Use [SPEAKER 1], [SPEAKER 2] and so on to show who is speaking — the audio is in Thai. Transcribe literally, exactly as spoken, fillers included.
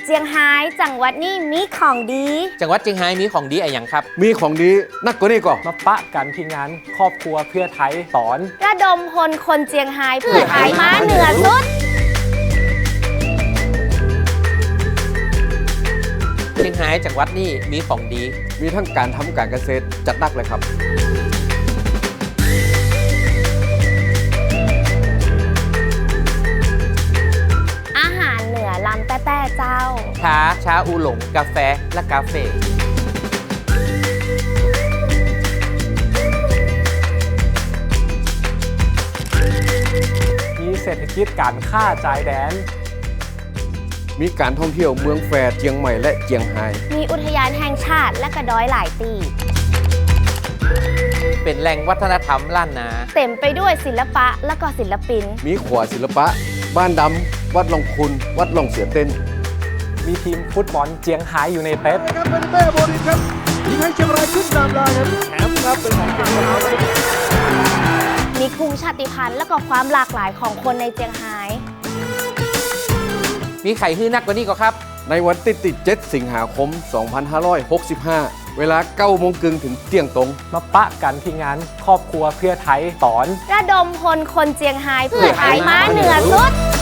[SPEAKER 1] เจียงไฮ้จังหวัดนี้มีของดี
[SPEAKER 2] จังหวัดเชียงไฮ้มีของดีอะไรอย่างครับ
[SPEAKER 3] มีของดีนักกว่านี้ก่อน
[SPEAKER 4] มาปะกันที่งานครอบครัวเพื่อไทยสอน
[SPEAKER 1] ระดมพลคนเจียงไฮ้เพื่อไทยม้าเหนือสุด
[SPEAKER 2] เชียงไฮ้จังหวัดนี้มีของดี
[SPEAKER 3] มีทั้งการทำการเกษตรจัดหนักเลยครับ
[SPEAKER 1] อาหารเหนือลำแต้ๆเจ้า
[SPEAKER 2] ชา ชาอูหลง กาแฟ และกาเฟ่
[SPEAKER 4] มีเศรษฐกิจการค้าจ่ายแดน
[SPEAKER 3] มีการท่องเที่ยวเมืองแฟร์เจียงใหม่และเจียงไฮ้
[SPEAKER 1] มีอุทยานแห่งชาติและกระดอยหลายตี
[SPEAKER 2] เป็นแหล่งวัฒนธรรมล้านนา
[SPEAKER 1] เต็มไปด้วยศิลปะและก็ศิลปิน
[SPEAKER 3] มีขวาศิลปะ บ้านดำ วัดลงคุณ วัดลงเสือเต้น
[SPEAKER 4] มีทีมฟุตบอลเจียงไฮ้ยูไนเต็ด
[SPEAKER 5] ครับเป็นเต้โบลินครับยิงให้เชียงรายขึ้นนำได้ครับแชมป์ครับเป็นของเชียงราย
[SPEAKER 1] มีกลุ่มชาติพันธุ์และก็ความหลากหลายของคนในเจียงไฮ้
[SPEAKER 2] มีไข่ฮื้อนักกว่านี้ก็ครับ
[SPEAKER 3] ในวันที่ติดเจ็ดสิงหาคม สองพันห้าร้อยหกสิบห้า เวลาเก้าโมงครึ่งถึงเที่ยงตรง
[SPEAKER 4] มาปะกันที่งานครอบครัวเพื่อไทยสอน
[SPEAKER 1] ระดมพลคนเจียงไฮ้เพื่อไทยม้าเหนือสุด